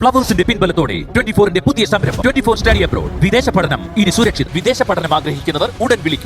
ഫ്ലവേഴ്സിന്റെ പിൻബലത്തോടെ 24ന്റെ പുതിയ സംരംഭം 24 study abroad. വിദേശ പഠനം ഇനി സുരക്ഷിത്. വിദേശ പഠനം ആഗ്രഹിക്കുന്നവർ ഉടൻ വിളിക്കൂ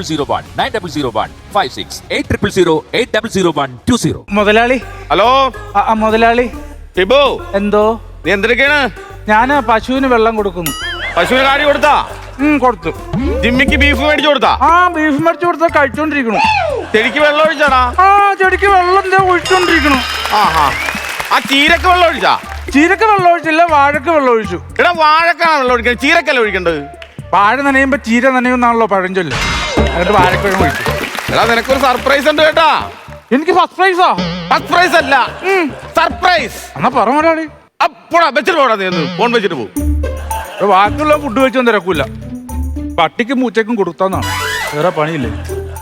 9001 800 800120. മുതലാളി. ഹലോ മുതലാളി. ടിബു, എന്തോ? നീ എന്തൊക്കെയാണ്? ഞാൻ പശുവിന് വെള്ളം കൊടുക്കുന്നു. പശുവിന് കാര്യം കൊടുത്താ? കൊടുത്തു. ജിമ്മിക്ക് ബീഫ് മേടിച്ചു കൊടുത്താ? ബീഫ് മേടിച്ചു കൊടുത്താ കഴിച്ചോണ്ടിരിക്കണു. ചെടിക്ക് വെള്ളം ഒഴിച്ചാടാ? ചെടിക്ക് വെള്ളം എന്താ ഒഴിച്ചോണ്ടിരിക്കണു. ആ ചീരക്ക് വെള്ളം ഒഴിച്ചാ? ചീരക്ക് വെള്ളം ഒഴിച്ചില്ല, വാഴക്ക് വെള്ളം ഒഴിച്ചു. എടാ വാഴക്കാണ് വെള്ളം ഒഴിക്കുന്നത്, ചീരക്കല്ല ഒഴിക്കേണ്ടത്. വാഴ നനയുമ്പോ ചീര നനയുന്നാണല്ലോ പഴഞ്ചൊല്ല്. എന്നിട്ട് വാഴക്ക് വെള്ളം ഒഴിച്ചു. എടാ നിനക്കൊരു സർപ്രൈസ് ഉണ്ട് കേട്ടാ. എനിക്ക് സർപ്രൈസാ? സർപ്രൈസ് അല്ല, സർപ്രൈസ്. എന്നാ പറ മുതലാളി. പോടാ, വെച്ചിട്ട് പോടാ, നീ ഒന്ന് ഫോൺ വെച്ചിട്ട് പോകും. ബാക്കിയുള്ള ഫുഡ് വെച്ചൊന്നും തിരക്കൂല. പട്ടിക്കും പൂച്ചക്കും കൊടുത്താന്നാണ്, വേറെ പണിയില്ലേ.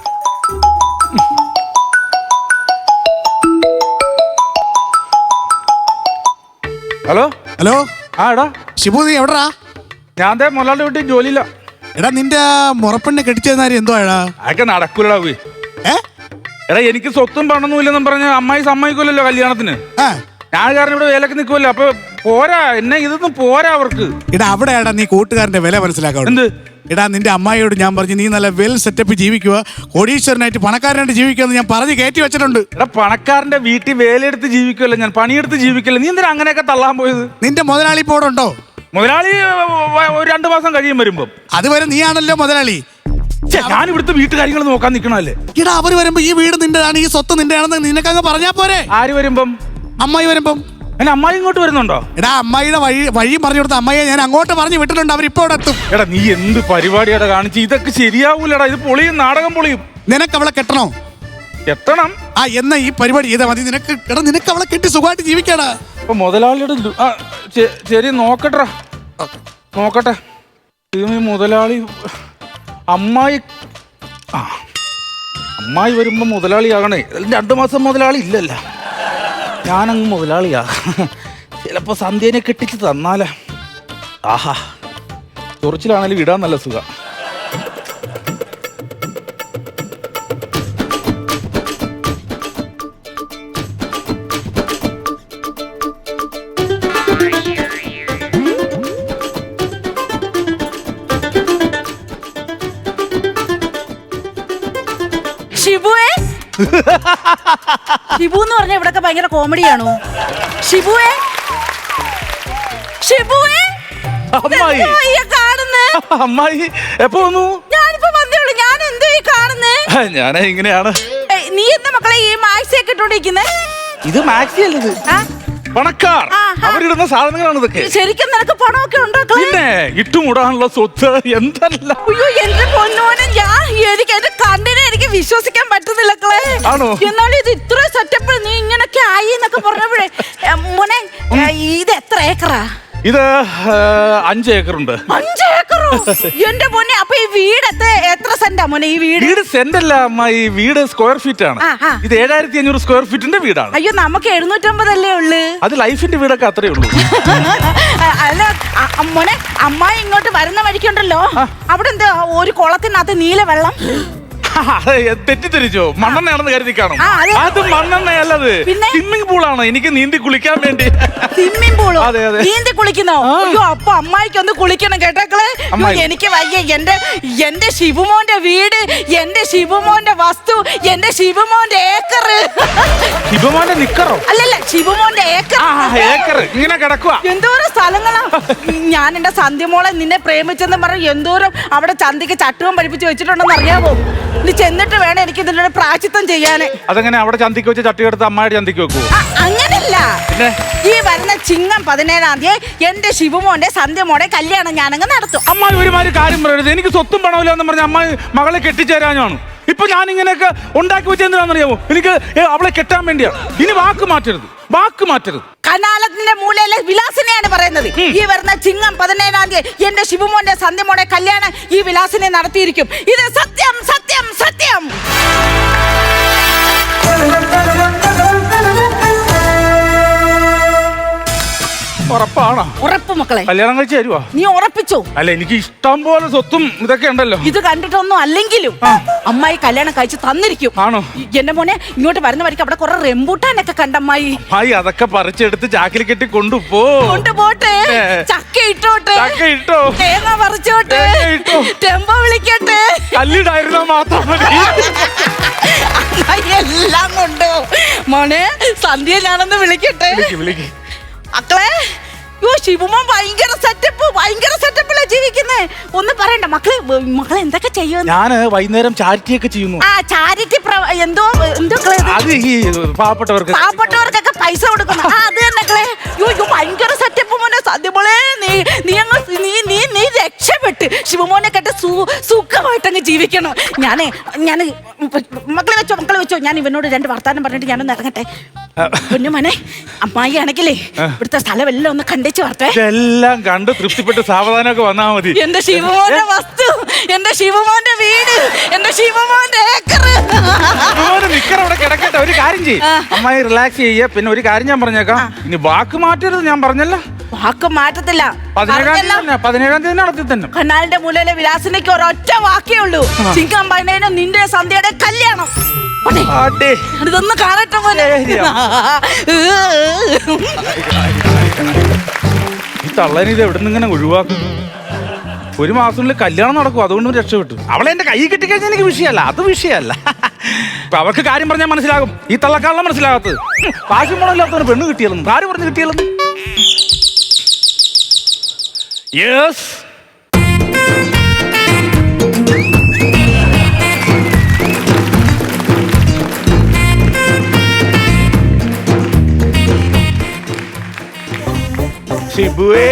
Hello hello. എടാ ഷിബു, നീ എവിടാ? ഞാൻ മുതലാളി വീട്ടിൽ ജോലിയില്ല. എടാ നിന്റെ മുറപ്പെണ്ണെ കെട്ടിച്ചെന്നാരി എന്തോ എടാ? അതൊക്കെ നടക്കൂലടാ. എടാ എനിക്ക് സ്വത്തും പണൊന്നും ഇല്ലെന്നും പറഞ്ഞ് അമ്മായി സമ്മതിക്കൂലല്ലോ കല്യാണത്തിന്. ഞാൻ കാരണം ഇവിടെ വേലക്ക് നിൽക്കുമല്ലോ. അപ്പൊ പോരാ, എന്നെ ഇതൊന്നും പോരാ അവർക്ക്. എടാ അവിടെയാടാ നീ കൂട്ടുകാരന്റെ വില മനസ്സിലാക്കാം. എന്ത്? എടാ നിന്റെ അമ്മായിയോട് ഞാൻ പറഞ്ഞു നീ നല്ല വെൽ സെറ്റപ്പ് ജീവിക്കുക, കോടീശ്വരനായിട്ട് പണക്കാരനായിട്ട് ജീവിക്കുക ഞാൻ പറഞ്ഞ് കയറ്റി വെച്ചിട്ടുണ്ട്. എടാ പണക്കാരന്റെ വീട്ടിൽ വേലയെടുത്ത് ജീവിക്കുമല്ലോ, ഞാൻ പണിയെടുത്ത് ജീവിക്കല്ലോ. നീ എന്തിനാ അങ്ങനെയൊക്കെ തള്ളാൻ പോയത്? നിന്റെ മുതലാളി ഇപ്പോൾ ഇവിടെ ഉണ്ടോ? മുതലാളി ഒരു 2 മാസം കഴിയും വരുമ്പം. അതുവരെ നീയാണല്ലോ മുതലാളി. ഞാൻ ഇവിടുത്തെ വീട്ടുകാര്യങ്ങൾ നോക്കാൻ നിൽക്കണല്ലേ. എടാ അവര് വരുമ്പോ ഈ വീട് നിന്റെതാണ്, ഈ സ്വത്ത് നിന്റെയാണെന്ന് നിനക്കങ്ങ് പറഞ്ഞാ പോരെ? ആര് വരുമ്പം? അമ്മായി വരുമ്പം. എന്നെ അമ്മായി ഇങ്ങോട്ട് വരുന്നുണ്ടോ? എടാ അമ്മായിയുടെ വഴിയും പറഞ്ഞു കൊടുത്ത അമ്മായിയെ ഞാൻ അങ്ങോട്ട് പറഞ്ഞു വിട്ടിട്ടുണ്ട്, അവരിപ്പോ ഇവിടെ എത്തും. എടാ നീ എന്ത് പരിപാടിയാടാ കാണിച്ച്? ഇതൊക്കെ ശരിയാവൂലടാ, ഇത് പൊളിയും, നാടകം പൊളിയും. നിനക്ക് അവളെ കെട്ടണോ? എത്തണം. എന്നാ ഈ പരിപാടി ചെയ്താൽ മതി. നിനക്ക് എടാ നിനക്ക് അവളെ കെട്ടി സുഖമായിട്ട് ജീവിക്കാടാ. അപ്പൊ മുതലാളിയുടെ ശരി നോക്കട്ടെ നോക്കട്ടെ. മുതലാളി അമ്മായി അമ്മായി വരുമ്പോ മുതലാളിയാകണേ. 2 മാസം മുതലാളി ഇല്ലല്ല, ഞാനങ്ങ് മുതലാളിയാ. ചിലപ്പോ സന്ധ്യനെ കെട്ടിച്ച് തന്നാലേ. ആഹാ, ചൊറിച്ചിലാണേലും ഇടാൻ നല്ല സുഖം. ഷിബുവേ, ഷിബു എന്ന് പറഞ്ഞ ഇവിടൊക്കെ ഭയങ്കര കോമഡിയാണോ? ഷിബുവേ, ഷിബുവേ, അമ്മായി അമ്മായി എപ്പോ വന്നു? ഞാനിപ്പോ വന്നേയുള്ളൂ. ഞാൻ എന്തോ ഈ കാണുന്നേ? ഞാൻ ഇങ്ങനെയാണ്. നീ എന്താ മക്കളെ ഈ മാക്സി ഒക്കെ ഇട്ടോണ്ടിരിക്കുന്നേ? ഇത് മാക്സി അല്ലത്, പണക്കാർ അവരിടുന്ന സാധനങ്ങളാണ് ഇതൊക്കെ. ശരിക്കും നിനക്ക് പണമൊക്കെ ഉണ്ടോ? പിന്നെ ഇട്ടുമൂടാനുള്ള സ്വത്ത് എന്തല്ല. അയ്യോ എന്റെ പൊന്നോനെ, എനിക്ക് എന്റെ കണ്ണിനെ എനിക്ക് വിശ്വസിക്കാൻ പറ്റുന്നില്ല. ആണോ? എന്നാലും ഇത് ഇത്ര സെറ്റപ്പ് നീ ഇങ്ങനൊക്കെ ആയി എന്നൊക്കെ പറഞ്ഞപ്പോഴേ മോനെ, ഇത് എത്ര ഏക്കറാ? ഇത് 5 ഏക്കറുണ്ട്. 5 ഏക്കറോ? എന്റെ മോനെ, അപ്പൊ ഈ വീട് എത്ര സെന്റാ മോനെ? ഈ വീട് സെന്റ് അല്ല അമ്മ, ഈ വീട് സ്ക്വയർ ഫീറ്റ് ആണ്. ഇത് 7500 സ്ക്വയർ ഫീറ്റിന്റെ വീടാണ്. അയ്യോ നമുക്ക് 750 അല്ലേ ഉള്ളു. അത് ലൈഫിന്റെ വീടൊക്കെ അത്രേ ഉള്ളൂ. അല്ല മോനെ, അമ്മായി ഇങ്ങോട്ട് വരുന്ന വഴിക്കുണ്ടല്ലോ, അവിടെ എന്താ ഒരു കുളത്തിനകത്ത് നീല വെള്ളം? തെറ്റിദ്ധരിച്ചോ? മണ്ണെണ്ണയാണെന്ന് കരുതി കാണും. അത് മണ്ണെണ്ണയല്ലത്, സ്വിമ്മിംഗ് പൂളാണ്. എനിക്ക് നീന്തി കുളിക്കാൻ വേണ്ടി. സ്വിമ്മിംഗ് പൂളോ? നീന്തി കുളിക്കുന്നോ? അയ്യോ അപ്പൊ അമ്മായിക്ക് ഒന്ന് കുളിക്കണം കേട്ടോക്കളെ. എനിക്ക് വയ്യ. എന്റെ ശിവമോന്റെ വീട്, എന്റെ ശിവമോന്റെ വസ്തു, എന്റെ ശിവമോന്റെ ഏക്കർ. ശിവമോന്റെ നിക്കറോ? അല്ലല്ല, ശിവമോന്റെ ഏക്കർ ഇങ്ങനെ കിടക്കുക. എന്തോരം സ്ഥലങ്ങളാ. ഞാൻ എന്റെ സന്ധ്യമോളെ നിന്നെ പ്രേമിച്ചെന്ന് പറഞ്ഞ് എന്തോരം അവിടെ ചന്തിക്ക് ചട്ടുവും പഠിപ്പിച്ച് വെച്ചിട്ടുണ്ടെന്ന് അറിയാമോ? നീ ചെന്നിട്ട് വേണം എനിക്ക് ഇതിന്റെ പ്രായശ്ചിത്തം ചെയ്യാന്. അതെങ്ങനെ അവിടെ ചന്തിക്ക് വെച്ച് ചട്ടി എടുത്ത് അമ്മായിട്ട് ചന്തിക്ക് വെക്കൂ? അങ്ങനല്ല, ഈ വരുന്ന ചിങ്ങം 17-ാം തീയതി എന്റെ ശിവമോന്റെ സന്ധ്യമോടെ കല്യാണം ഞാനങ്ങ് നടത്തും. അമ്മായി ഒരുമാതിരി കാര്യം പറയരുത്. എനിക്ക് സ്വത്തും പണമില്ല എന്ന് പറഞ്ഞ അമ്മായി മകളെ കെട്ടിച്ചേരാനാണ്. ഇപ്പൊ ഞാൻ ഇങ്ങനെയൊക്കെ ഉണ്ടാക്കി വെച്ചെന്തിനാണെന്നറിയാമോ? എനിക്ക് അവളെ കെട്ടാൻ വേണ്ടിയാണ്. ഇനി വാക്ക് മാറ്റരുത്, വാക്ക് മാറ്റരുത്. കനാലത്തിന്റെ മൂലയിലെ വിലാസിനെയാണ് പറയുന്നത്. ഈ വരുന്ന ചിങ്ങം 17-ാം തീയതി എന്റെ ശിവമോന്റെ സന്ധ്യമോടെ കല്യാണം ഈ വിലാസിനെ നടത്തിയിരിക്കും. ഇത് സത്യം, സത്യം, സത്യം. ഉറപ്പാണോ? ഉറപ്പ് മക്കളെ. കല്യാണം കഴിച്ച് തരുവാ? നീ ഉറപ്പിച്ചോ? അല്ല, എനിക്ക് ഇഷ്ടം പോലെ സ്വത്തും ഇതൊക്കെ ഉണ്ടല്ലോ. ഇത് കണ്ടിട്ടൊന്നും അല്ലെങ്കിലും അമ്മായി കല്യാണം കഴിച്ച് തന്നിരിക്കും. ആണോ? എന്റെ മോനെ ഇങ്ങോട്ട് വരുന്ന വഴിക്ക് അവിടെ കുറെ റെമ്പൂട്ടാനൊക്കെ കണ്ടമ്മായി. അമ്മായി അതൊക്കെ പറിച്ചെടുത്ത് ചാക്കിൽ കെട്ടി കൊണ്ടുപോട്ടെ. ചക്ക ഇട്ടോട്ടെ, ചക്ക ഇട്ടോ, തേങ്ങ പറിച്ചോട്ടെ, ടെമ്പോ വിളിക്കട്ടെ. കല്ലിടായിരുന്നാ മാത്രം മതി. എല്ലാം കൊണ്ടോ മോനെ. സന്ധ്യ ഞാനൊന്ന് വിളിക്കട്ടെ. വിളിക്ക്. മക്കളെ, ശിവമോൻ ഭയങ്കര സെറ്റപ്പിലാ ജീവിക്കുന്നേ. ഒന്നും പറയണ്ട മക്കളെ എന്തൊക്കെ ചെയ്യുന്നു? ഞാന് വൈകുന്നേരം ചാരിറ്റി ഒക്കെ ചെയ്യുന്നു. ആ ചാരിറ്റി എന്തോ അത് ഈ പാവപ്പെട്ടവർക്കൊക്കെ പൈസ കൊടുക്കുന്നു. അത് തന്നെ ഭയങ്കര സെറ്റപ്പ് മോനെ. സദ്യമോളെ നീ രക്ഷപ്പെട്ട് ശിവമോനെ കേട്ട് സുഖമായിട്ടങ്ങ് ജീവിക്കണം. ഞാൻ മക്കളെ വെച്ചോ ഞാൻ ഇവനോട് 2 വർത്താനം പറഞ്ഞിട്ട് ഞാനൊന്ന് ഇറങ്ങട്ടെ. പൊന്നുമോനെ, അമ്മായി ആണെങ്കിലേ ഇവിടുത്തെ സ്ഥലം എല്ലാം ഒന്ന് കണ്ടേച്ച് വരട്ടെ. എല്ലാം കണ്ട് തൃപ്തിപ്പെട്ട് സാവധാനമൊക്കെ വന്നാ മതി. എന്റെ ശിവമോന്റെ വസ്തു, എന്റെ ശിവമോന്റെ വീട്, എന്റെ ശിവമോന്റെ ഏക്കർ അവിടെ കിടക്കട്ടെ. ഒരു കാര്യം ചെയ്യും, അമ്മായി റിലാക്സ് ചെയ്യ. പിന്നെ ഒരു കാര്യം ഞാൻ പറഞ്ഞേക്കാം, ഇനി വാക്ക് മാറ്റരുത്. ഞാൻ പറഞ്ഞല്ലോ, വാക്ക് മാറ്റത്തില്ല. 17-ാം തീയതി നടത്തി തന്നെ. കനാലിന്റെ മൂലയിലെ വിലാസിലേക്ക് ഒരൊറ്റ വാക്കേ ഉള്ളൂ. ചിങ്കമ്പണ്ണേനും നിന്റെ സന്ധ്യയുടെ കല്യാണം. ഇതൊന്ന് കാണട്ടെ പോലെ. ഈ തള്ളനെ ഇത് എവിടെ നിന്ന് ഇങ്ങനെ ഒഴിവാക്കും? 1 മാസത്തിനുള്ളിൽ കല്യാണം നടക്കും, അതുകൊണ്ട് രക്ഷപ്പെട്ടു. അവളെ എന്റെ കൈ കിട്ടിക്കഴിഞ്ഞാൽ എനിക്ക് വിഷയമല്ല, അത് വിഷയമല്ല. ഇപ്പൊ അവർക്ക് കാര്യം പറഞ്ഞാൽ മനസ്സിലാകും. ഈ തള്ളക്കാളെ മനസ്സിലാകാത്തത്. കാശും പണമില്ലാത്തവന് പെണ്ണ് കിട്ടിയാലും ആര് പറഞ്ഞു കിട്ടിയാലും. യെസ്, ഷിബുവേ.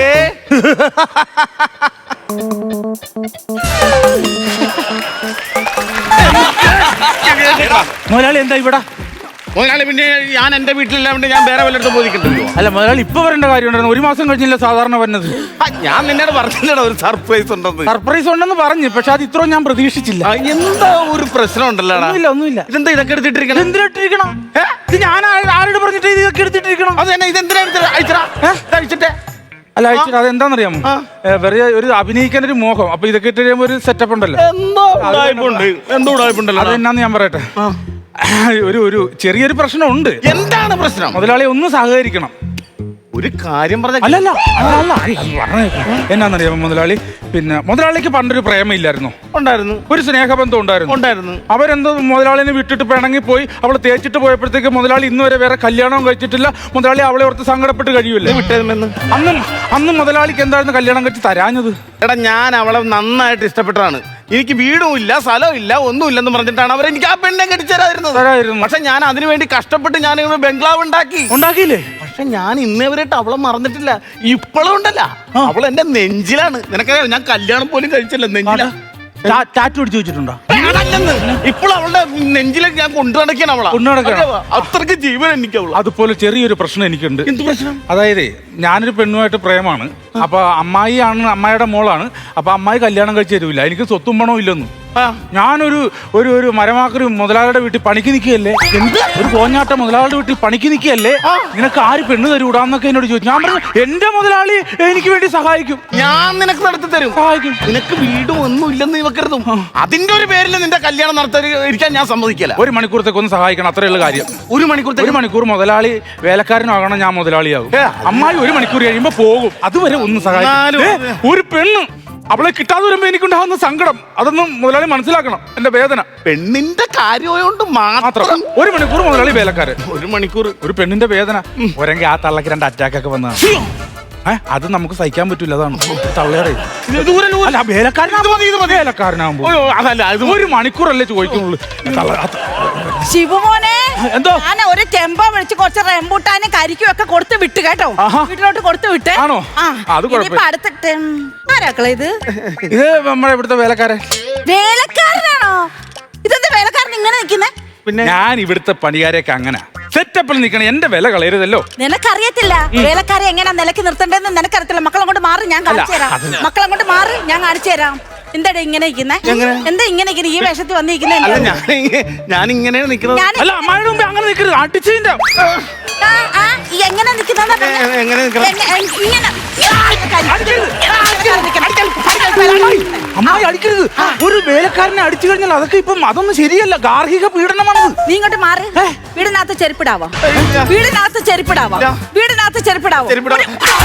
മുതലാളി എന്താ ഇവിടെ? മുതലാളി, പിന്നെ ഞാൻ എന്റെ വീട്ടിലില്ലാണ്ട് ഞാൻ വേറെ വല്ലയിടത്തും പോയിക്കണ്ടല്ലോ. അല്ല മുതലാളി, ഇപ്പൊ വരേണ്ട കാര്യം ഉണ്ടായിരുന്നു. 1 മാസം കഴിഞ്ഞില്ല സാധാരണ വരുന്നത്. ഞാൻ നിന്നോട് പറഞ്ഞില്ലടാ ഒരു സർപ്രൈസ് ഉണ്ടെന്ന്. സർപ്രൈസ് ഉണ്ടെന്ന് പറഞ്ഞു, പക്ഷെ അത് ഇത്രയും ഞാൻ പ്രതീക്ഷിച്ചില്ല. എന്താ ഒരു പ്രശ്നം ഉണ്ടല്ലോ? ഒന്നുമില്ല. ഇതെന്താ ഇതൊക്കെ എടുത്തിട്ടിരിക്കണം? എന്തിനിട്ടിരിക്കണം? ഇത് ഞാൻ ആരോട് പറഞ്ഞിട്ട് ഇതൊക്കെ എടുത്തിട്ടിരിക്കണം? അത് തന്നെ, ഇതെന്തിനാ അയച്ചിട്ടേ? അല്ല അയച്ചിട്ട് അതെന്താണെന്നറിയാമോ? വെറുതെ ഒരു അഭിനയിക്കാൻ ഒരു മോഹം. അപ്പൊ ഇതൊക്കെ ഇട്ട് കഴിയുമ്പോ ഒരു സെറ്റപ്പ് ഉണ്ടല്ലോ. അതെന്നാന്ന് ഞാൻ പറയട്ടെ. ഒരു ചെറിയൊരു പ്രശ്നമുണ്ട്. എന്താണ് പ്രശ്നം? മുതലാളി ഒന്ന് സഹകരിക്കണം. ഒരു കാര്യം പറഞ്ഞ അല്ലല്ല എന്നാന്നറിയാമോ മുതലാളി? പിന്നെ മുതലാളിക്ക് പണ്ടൊരു പ്രേമയില്ലായിരുന്നു? ഉണ്ടായിരുന്നു. ഒരു സ്നേഹബന്ധം ഉണ്ടായിരുന്നു. അവരെന്തോ മുതലാളിനെ വിട്ടിട്ട് പിണങ്ങി പോയി. അവളെ തേച്ചിട്ട് പോയപ്പോഴത്തേക്ക് മുതലാളി ഇന്ന് വരെ വേറെ കല്യാണവും കഴിച്ചിട്ടില്ല. മുതലാളി അവളെ ഓർത്ത് സങ്കടപ്പെട്ട് കഴിയൂല്ലേ? വിട്ടേമെന്ന് അന്ന് മുതലാളിക്ക് എന്തായിരുന്നു കല്യാണം കഴിച്ച് തരാഞ്ഞത്? എടാ, ഞാൻ അവളെ നന്നായിട്ട് ഇഷ്ടപ്പെട്ടതാണ്. എനിക്ക് വീടും ഇല്ല, സ്ഥലവും ഇല്ല, ഒന്നുമില്ലെന്ന് പറഞ്ഞിട്ടാണ് അവരെനിക്ക് ആ പെണ്ണെ കെട്ടിച്ചേരായിരുന്നത്. പക്ഷെ ഞാൻ അതിനു വേണ്ടി കഷ്ടപ്പെട്ട് ഞാൻ ഇവിടെ ബംഗ്ലാവ് ഉണ്ടാക്കിയില്ലേ? പക്ഷെ ഞാൻ ഇന്നേവരായിട്ട് അവളെ മറന്നിട്ടില്ല. ഇപ്പോഴും ഉണ്ടല്ല, അവൾ എന്റെ നെഞ്ചിലാണ്. നിനക്കറിയാം, ഞാൻ കല്യാണം പോലും കഴിച്ചില്ല. നെഞ്ചിലാ. ടാറ്റു അടിച്ചു വെച്ചിട്ടുണ്ടോ? ഇപ്പോൾ അവളുടെ നെഞ്ചിലേക്ക് ഞാൻ കൊണ്ടു നടക്കാൻ അവളാ. അത്രയ്ക്ക് ജീവൻ എനിക്ക് അവള്. അതുപോലെ ചെറിയൊരു പ്രശ്നം എനിക്കുണ്ട്. എന്ത് പ്രശ്നം? അതായത് ഞാനൊരു പെണ്ണുമായിട്ട് പ്രേമാണ്. അപ്പൊ അമ്മായിയുടെ മോളാണ്. അപ്പൊ അമ്മായി കല്യാണം കഴിച്ചു തരൂല. എനിക്ക് സ്വത്തും പണവും ഇല്ലെന്ന്. ഞാനൊരു ഒരു മരമാക്കൊരു മുതലാളിയുടെ വീട്ടിൽ പണിക്ക് നിൽക്കുകയല്ലേ? ഒരു കോഞ്ഞാട്ട മുതലാളിയുടെ വീട്ടിൽ പണിക്ക് നിൽക്കുകയല്ലേ? നിനക്ക് ആര് പെണ്ണ് തരൂടാന്നൊക്കെ എന്നോട് ചോദിച്ചു. ഞാൻ പറഞ്ഞു എന്റെ മുതലാളി എനിക്ക് വേണ്ടി സഹായിക്കും. ഞാൻ നിനക്ക് നടത്തി തരും, സഹായിക്കും. നിനക്ക് വീടും ഒന്നും ഇല്ലെന്ന് ഇവക്കരുതും. അതിന്റെ ഒരു പേരിൽ നിന്റെ കല്യാണം നടത്താൻ ഞാൻ സമ്മതിക്കില്ല. 1 മണിക്കൂറത്തേക്ക് ഒന്ന് സഹായിക്കണം, അത്രയുള്ള കാര്യം. 1 മണിക്കൂർ മുതലാളി വേലക്കാരനാകണം, ഞാൻ മുതലാളിയാകും. അമ്മായി 1 മണിക്കൂർ കഴിയുമ്പോ പോകും. അതുവരെ ഒന്ന് സഹായിക്കും. ഒരു പെണ്ണ് അവളെ കിട്ടാതെ വരുമ്പോ എനിക്കുണ്ടാകുന്ന സങ്കടം അതൊന്നും മുതലാളി മനസ്സിലാക്കണം. എന്റെ വേദന പെണ്ണിന്റെ കാര്യമായോണ്ട് മാത്രം. 1 മണിക്കൂർ മുതലാളി വേലക്കാരൻ, 1 മണിക്കൂർ ഒരു പെണ്ണിന്റെ വേദന. ഒരെങ്കിൽ ആ തള്ളക്ക് 2 അറ്റാക്ക് ഒക്കെ വന്നതാണ്. അത് നമുക്ക് സഹിക്കാൻ പറ്റൂല. അതാണ് തള്ളയുടെ വേലക്കാരനാകുമ്പോ 1 മണിക്കൂറല്ലേ ചോദിക്കുന്നുള്ളൂ. ശിവമോനെ, എന്തോ ഞാൻ ഒരു ടെമ്പോ വിളിച്ച് കുറച്ച് റെമ്പൂട്ടാനും കരിക്കും ഒക്കെ കൊടുത്ത് വിട്ട് കേട്ടോ. വീട്ടിലോട്ട് കൊടുത്ത് വിട്ടേ. ആണോ? അത് അടുത്തിട്ട് ആരാക്കളെ ഇത്? ഇത് നമ്മുടെ ഇവിടുത്തെ വേലക്കാരൻ. വേലക്കാരനാണോ? ഇതെന്താ വേലക്കാരൻ ഇങ്ങനെ നിൽക്കുന്നേ? പിന്നെ ഞാൻ ഇവിടുത്തെ പണിക്കാരെയൊക്കെ അങ്ങനെ സെറ്റപ്പിൽ നിൽക്കണം. എന്റെ വില കളയരുതല്ലോ. നിനക്കറിയത്തില്ല വേലക്കാരെ എങ്ങനെ നിലക്ക് നിർത്തണ്ടെന്ന് നിനക്കറിയത്തില്ല. മക്കളെ കൊണ്ട് മാറി, ഞാൻ കാണിച്ചു തരാം. മക്കളെ കൊണ്ട് മാറി, ഞാൻ കാണിച്ചു തരാം. എന്താ ഇങ്ങനെ ഇരിക്കുന്നേ? എന്താ ഇങ്ങനെ ഈ വേഷത്തിൽ വന്നിരിക്കുന്നേ? ഞാൻ ഇങ്ങനെ നിൽക്കുന്നത്. അല്ല, അമ്മായിയുടെ മുമ്പ് അങ്ങനെ നിൽക്കരുത്. അടിച്ചതിന്റെ എങ്ങനെ നിൽക്കുന്ന എങ്ങനെ നിൽക്കണം? അമ്മായി അടിക്കരുത്. ഒരു വേലക്കാരനെ അടിച്ചു കഴിഞ്ഞാൽ അതൊക്കെ ഇപ്പം അതൊന്നും ശരിയല്ല, ഗാർഹിക പീഡനമാണത്. നീ ഇങ്ങോട്ട് മാറി. വീടിനകത്ത് ചെരുപ്പിടാവോ? ഇല്ല. വീടിനകത്ത് ചെരുപ്പിടാവോ? ഇല്ല. വീടിനകത്ത് ചെരുപ്പിടാവോ? ചെരുപ്പിടാം.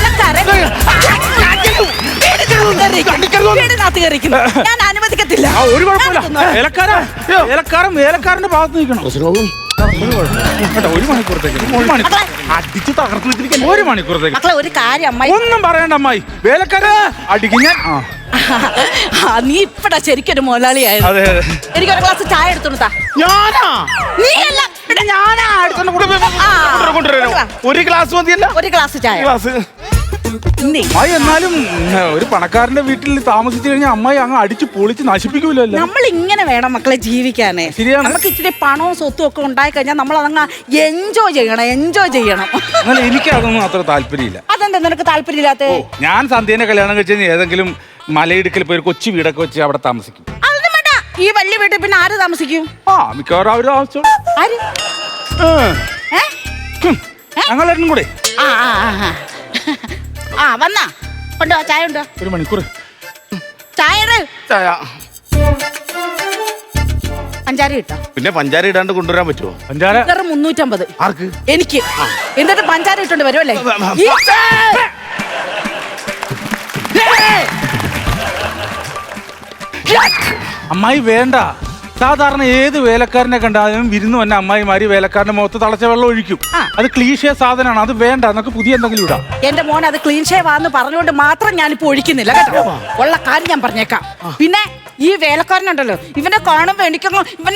വീടിനകത്ത് കയറിക്കുന്നു. ഞാൻ അനുവദിക്കത്തില്ല. ഒരു കുഴപ്പമില്ല. വേലക്കാരന്റെ ഭാഗത്ത് നിൽക്കണം. ഒരു മണിക്കൂറത്തേക്ക് അടിച്ച് തകർത്ത് വെച്ചിരിക്കാൻ. ഒരു മണിക്കൂറത്തേക്ക് മക്കളെ ഒരു കാര്യം അമ്മായി ഒന്നും പറയണ്ട അമ്മായി. വേലക്കാരൻ അടിക്കും ഞാൻ. നീ ഇപ്പടാ ശരിക്കൊരു മുതലാളിയായിരുന്നു. അതെ അതെ. എനിക്കൊരു ഗ്ലാസ് ചായ എടുത്തോണ്ടാ. ഞാനാ നീ അല്ല ഇവിടെ ഞാനാ എടുത്തോണ്ട് കൊണ്ടുവരാം. ഒരു ഗ്ലാസ് മതിയല്ല? ഒരു ഗ്ലാസ് ചായ. ഗ്ലാസ് നീ അമ്മായി എന്നാലും ഒരു പണക്കാരന്റെ വീട്ടിൽ താമസിച്ചു കഴിഞ്ഞാൽ അമ്മായി അങ്ങ് അടിച്ച് പൊളിച്ച് നശിപ്പിക്കൂലല്ലോ. നമ്മൾ ഇങ്ങനെ വേണം മക്കളെ ജീവിക്കാനേ. ശരിയാണ്. നമുക്ക് ഇച്ചിരി പണവും സ്വത്തും ഒക്കെ ഉണ്ടായി കഴിഞ്ഞാൽ നമ്മൾ അതങ്ങ് എൻജോയ് ചെയ്യണം. എന്നാൽ എനിക്ക് അതൊന്നും അത്ര താല്പര്യമില്ല. അതെന്താ നിനക്ക് താല്പര്യമില്ലാത്ത? ഞാൻ സന്ധ്യേനെ കല്യാണം കഴിച്ച് ഏതെങ്കിലും മലയിടുക്കിൽ പോയി ഒരു കൊച്ചു വീടൊക്കെ വെച്ച് അവിടെ താമസിക്കും. അതൊന്നും വേണ്ട. ഈ വലിയ വീട്ടിൽ പിന്നെ ആര് താമസിക്കും? മിക്കവാറും അവര് ആവശ്യം ആര്? ഞങ്ങളെല്ലാം കൂടെ വന്നാ കൊണ്ടോ ചായ ഉണ്ടോ? ഒരു മണിക്കൂർ ചായ ചായ. പഞ്ചാര കിട്ടോ? പിന്നെ പഞ്ചാര ഇടാണ്ട് കൊണ്ടുവരാൻ പറ്റുമോ? പഞ്ചാര വെറും 350. ആർക്ക്? എനിക്ക്. എന്നിട്ട് പഞ്ചാര ഇട്ടോണ്ട് വരുമല്ലേ? അമ്മായി വേണ്ട. സാധാരണ ഏത് വേലക്കാരനെ കണ്ടാലും വിരുന്ന് വന്ന അമ്മായിമാര് വേലക്കാരന്റെ മുഖത്ത് തളച്ച വെള്ളം ഒഴിക്കും. അത് ക്ലീശേ സാധനമാണ്. അത് വേണ്ട. നമുക്ക് പുതിയ എന്തെങ്കിലും ഇടാം. എന്റെ മോൻ അത് ക്ലീൻ ഷേവ് ആന്ന് പറഞ്ഞുകൊണ്ട് മാത്രം ഞാനിപ്പോ ഒഴിക്കുന്നില്ല കേട്ടോ. ഉള്ള കാര്യം ഞാൻ പറഞ്ഞേക്കാം. പിന്നെ ഈ വേലക്കാരനുണ്ടല്ലോ, ഇവനെ കാണുമ്പോ എനിക്കങ്ങ് ഇവനെ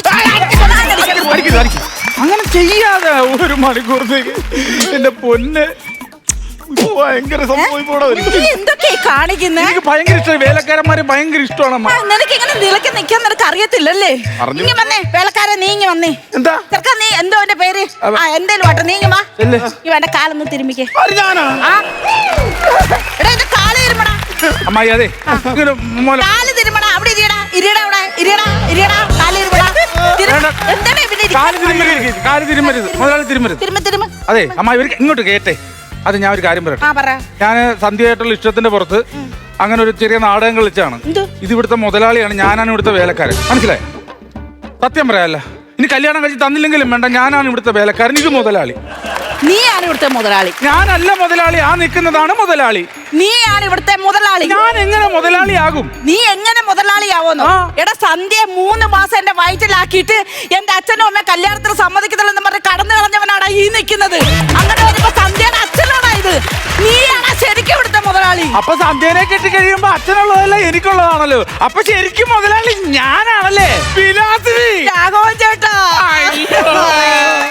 അങ്ങനെ ചെയ്യാതെ ഒരു മണിക്കൂറത്തേക്ക് എന്റെ പൊന്ന് ഭയങ്കര സംഭവിപ്പോടെ എന്തൊക്കെ കാണിക്കുന്നേ? എനിക്ക് ഭയങ്കര ഇഷ്ടം. വേലക്കാരന്മാരെ ഭയങ്കര ഇഷ്ടമാണ് അമ്മ. നിനക്ക് ഇങ്ങനെ നിലയ്ക്ക് നിൽക്കാൻ നിനക്ക് അറിയത്തില്ലല്ലേ? നീങ്ങി വന്നേ വേലക്കാരൻ, നീങ്ങി വന്നേ. എന്താ ചെറുക്കാ നീ എന്തോ എന്റെ പേര്? എന്തേലും വാട്ടെ, നീങ്ങി വാ. ഇവന്റെ കാലൊന്ന് തിരുമ്മിക്കേ. ഞാനാ എടാ എന്റെ കാല് തിരുമടാ. അമ്മായി അതെ കാല് തിരുമടാ. അവിടെ ഇരിയടാ അവിടെ ഇരിയടാ കാല് തിരുമടാ. എന്താണ് ഇവിടെ കാല് തിരുമരുത് മുതലാളി തിരുമരുത്. തിരുമ അതെ അമ്മായി ഇവർക്ക് ഇങ്ങോട്ട് കേട്ടെ. അത് ഞാൻ ഒരു കാര്യം പറയട്ടെ. പറ. ഞാൻ സന്ധ്യയായിട്ടുള്ള ഇഷ്ടത്തിന്റെ പുറത്ത് അങ്ങനെ ഒരു ചെറിയ നാടകം കളിച്ചാണ്. ഇത് ഇവിടുത്തെ മുതലാളിയാണ്, ഞാനാണ് ഇവിടുത്തെ വേലക്കാരൻ. മനസ്സിലായി? സത്യം പറയാല്ല. ഇനി കല്യാണം കഴിച്ച് തന്നില്ലെങ്കിലും വേണ്ട, ഞാനാണ് ഇവിടുത്തെ വേലക്കാരൻ. ഇത് മുതലാളി. നീയാണ് ഇവിടുത്തെ മുതലാളി. ഞാനല്ല മുതലാളി. ആ നിൽക്കുന്നതാണ് മുതലാളി. നീയാണ് ഇവിടുത്തെ മുതലാളി. ഞാൻ എങ്ങനെ മുതലാളിയാകും? നീ എങ്ങനെ മുതലാളിയാവോന്നോ? എടാ സന്ധ്യ 3 മാസം എന്റെ വയറ്റിലാക്കിയിട്ട് എന്റെ അച്ഛനും അമ്മ കല്യാണത്തിന് സമ്മതിക്കത്തില്ലെന്ന് പറഞ്ഞ് കടന്നു കളഞ്ഞവനാണ് ഈ നിൽക്കുന്നത്. അങ്ങനെ വരുമ്പോ സന്ധ്യയുടെ അച്ഛനാണ് ഇത്. നീയാണ് ശരിക്കും ഇവിടുത്തെ മുതലാളി. അപ്പൊ സന്ധ്യനെ കെട്ടി കഴിയുമ്പോ അച്ഛനുള്ളതല്ല എനിക്കുള്ളതാണല്ലോ. അപ്പൊ ശരിക്കും മുതലാളി ഞാനാണല്ലേ? വിലാസിനി. രാഘവൻ ചേട്ടാ.